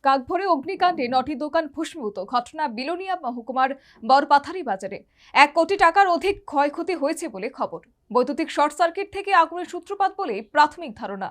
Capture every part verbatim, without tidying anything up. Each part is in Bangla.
কাকভরে অগ্নিকাণ্ডে নটি দোকান ভস্মীভূত। ঘটনা বিলোনিয়া মহকুমার বরপাথারি বাজারে। এক কোটি টাকার অধিক ক্ষয়ক্ষতি হয়েছে বলে খবর। বৈদ্যুতিক শর্ট সার্কিট থেকে আগুনের সূত্রপাত বলে প্রাথমিক ধারণা।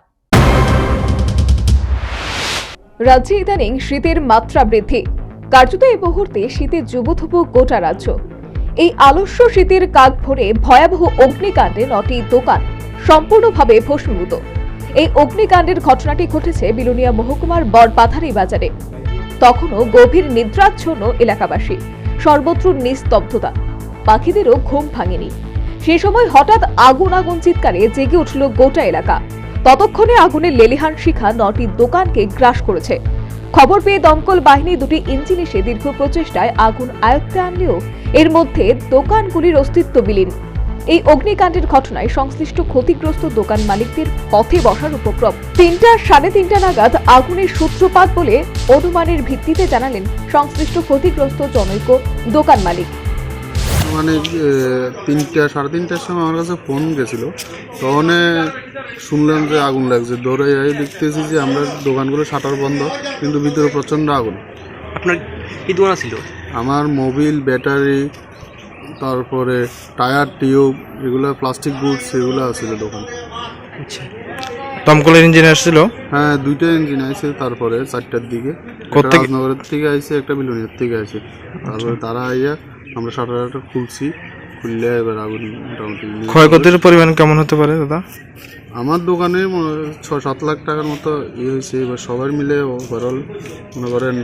রাজ্যে ইদানিং শীতের মাত্রা বৃদ্ধি। কার্যত এই মুহূর্তে শীতে জুবুথুবু গোটা রাজ্য। এই আলস্য শীতের কাকভরে ভয়াবহ অগ্নিকাণ্ডে নটি দোকান সম্পূর্ণভাবে ভস্মীভূত। এই অগ্নিকাণ্ডের ঘটনাটি ঘটেছে বিলোনিয়া মহকুমার বরপাথারি বাজারে। তখনও গভীর নিদ্রাচ্ছন্ন এলাকাবাসী, সর্বত্র নিস্তব্ধতা, পাখিদেরও ঘুম ভাঙেনি। সে সময় হঠাৎ আগুন আগুন চিৎকারে জেগে উঠল গোটা এলাকা। ততক্ষণে আগুনের লেলিহান শিখা নটি দোকানকে গ্রাস করেছে। খবর পেয়ে দমকল বাহিনী দুটি ইঞ্জিন এসে দীর্ঘ প্রচেষ্টায় আগুন আয়ত্তে আনলেও এর মধ্যে দোকানগুলির অস্তিত্ব বিলীন। এই অগ্নিকাণ্ডের ঘটনায় সংশ্লিষ্ট ক্ষতিগ্রস্ত দোকান মালিকদের পথে বসার উপক্রম। তিনটা সাড়ে তিনটা নাগাদ আগুনের সূত্রপাত বলে অনুমানের ভিত্তিতে জানালেন সংশ্লিষ্ট ক্ষতিগ্রস্ত জনৈক দোকান মালিক। মানে তিনটা সাড়ে তিনটার সময় আমার কাছে ফোন গেছিল, তখন শুনলাম যে আগুন লাগছে। দৌড়ে যাই দেখতেছি যে আমরা দোকানগুলো শাটার বন্ধ, কিন্তু ভিতরে প্রচণ্ড আগুন। আপনার কি দোকান ছিল? আমার মোবিল, ব্যাটারি, তারপরে টায়ার, টিউব, এগুলো প্লাস্টিক গুডস এগুলো আছিল দোকান। আচ্ছা, দমকলের ইঞ্জিন আসছিল? হ্যাঁ, দুইটা ইঞ্জিন আছে। তারপরে চারটার দিকে রাজনগরের থেকে আইসে, একটা বিলুনিয়ার থেকে আইসে। তারপরে তারা আইয়া আমরা শাটারটা খুলছি, খুললে এবার আগুন মোটামুটি। ক্ষয়ক্ষতির পরিমাণ কেমন হতে পারে দাদা? আমার দোকানে ছ সাত লাখ টাকার মতো ইয়ে হয়েছে। এবার সবাই মিলে ওভারঅল মনে করেন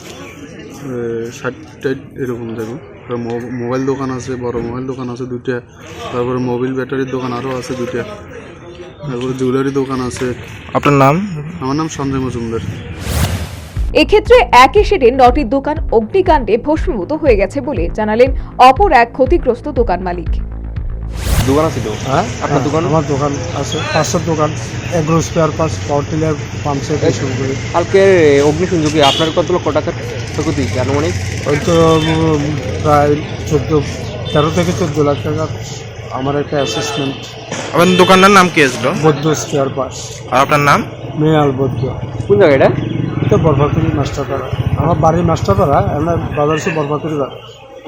ষাট টাইট এরকম যাবে। মোবাইল দোকান আছে, বড় মোবাইল দোকান আছে দুইটা, তারপরে মোবিল ব্যাটারির দোকান আরও আছে দুইটা, তারপরে জুয়েলারি দোকান আছে। আপনার নাম? আমার নাম সঞ্জয় মজুমদার। এক্ষেত্রে একই শেডে নটি দোকান অগ্নিকাণ্ডে ভস্মীভূত হয়ে গেছে বলে জানালেন অপর এক ক্ষতিগ্রস্ত দোকান মালিক। দোকান আছে তো? হ্যাঁ, আপনার দোকান? আমার দোকান আছে, পাঁচশো দোকান, agro spare parts, power tiller, pump set শুরু করি। কালকে অগ্নিসংযোগে আপনার কত লক্ষ টাকার ক্ষতি আনুমানিক? ওই তো প্রায় চোদ্দো তেরো থেকে চোদ্দো লাখ টাকা আমার একটা অ্যাসেসমেন্ট। আপনার দোকানটার নাম কি আসলো? বৌদ্ধ স্পেয়ার পার্টস। আর আপনার নাম? মেয়াল বৌদ্ধ। কোন জায়গা এটা? এটা বরপাতুরি মাস্টারপাড়া। আমার বাড়ির মাস্টারপাড়া, আমরা বাজার সে বরপাতুরি বাড়ি।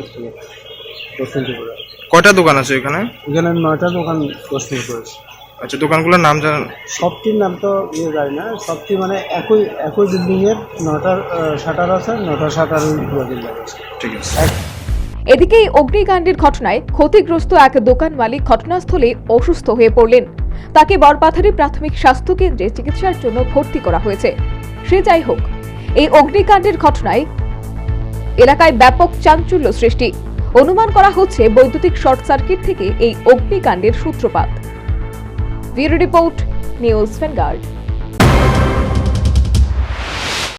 কয়টা দোকান আছে এখানে? এখানে নয়টা দোকান প্রশ্ন করেছে। আচ্ছা, দোকানগুলোর নাম জানেন? সবটির নাম তো ইয়ে যায় না, সবটি মানে একই একই বিল্ডিংয়ের নটার শাটার আছে, নটা শাটারের বিল্ডিং আছে। ঠিক আছে। এদিকে এই অগ্নিকাণ্ডের ঘটনায় ক্ষতিগ্রস্ত এক দোকান মালিক ঘটনাস্থলে অসুস্থ হয়ে পড়লেন। তাকে বরপাথারি প্রাথমিক স্বাস্থ্য কেন্দ্রে চিকিৎসার জন্য ভর্তি করা হয়েছে। সে যাই হোক, এই অগ্নিকাণ্ডের ঘটনায় এলাকায় ব্যাপক চাঞ্চল্য সৃষ্টি। অনুমান করা হচ্ছে বৈদ্যুতিক শর্ট সার্কিট থেকে এই অগ্নিকাণ্ডের সূত্রপাত। Bureau report, news vanguard.